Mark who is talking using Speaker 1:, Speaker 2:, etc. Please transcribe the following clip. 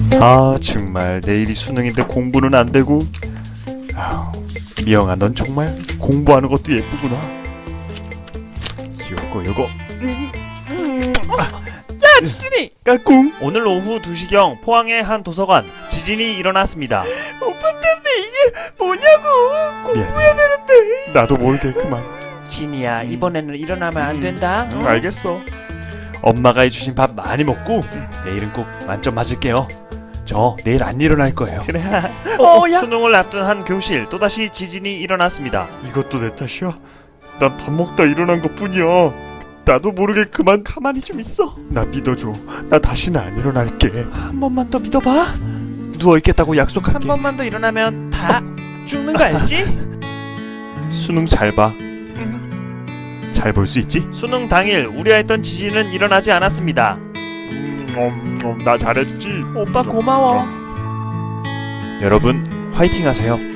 Speaker 1: 아 정말 내일이 수능인데 공부는 안 되고. 아우, 미영아 넌 정말 공부하는 것도 예쁘구나. 요거
Speaker 2: 야 지진이!
Speaker 1: 까꿍.
Speaker 3: 오늘 오후 2시경 포항의 한 도서관 지진이 일어났습니다.
Speaker 2: 오빠 때문에 이게 뭐냐고.
Speaker 1: 공부해야 되는데. 나도 모르게 그만.
Speaker 2: 진이야 이번에는 일어나면 안 된다.
Speaker 1: 알겠어.
Speaker 3: 엄마가 해주신 밥 많이 먹고 내일은 꼭 만점 맞을게요. 저 내일 안 일어날 거예요.
Speaker 1: 그래.
Speaker 2: 야.
Speaker 3: 수능을 앞둔 한 교실 또다시 지진이 일어났습니다.
Speaker 1: 이것도 내 탓이야? 난 밥 먹다 일어난 것뿐이야. 나도 모르게 그만 가만히 좀 있어. 나 믿어줘. 나 다시는 안 일어날게.
Speaker 2: 한 번만 더 믿어봐.
Speaker 1: 누워있겠다고
Speaker 2: 한
Speaker 1: 약속할게.
Speaker 2: 번만 더 일어나면 다 죽는 거 알지?
Speaker 1: 수능 잘 봐. 잘 볼 수 있지?
Speaker 3: 수능 당일 우려했던 지진은 일어나지 않았습니다.
Speaker 1: 나 잘했지.
Speaker 2: 오빠 고마워.
Speaker 1: 여러분 화이팅 하세요.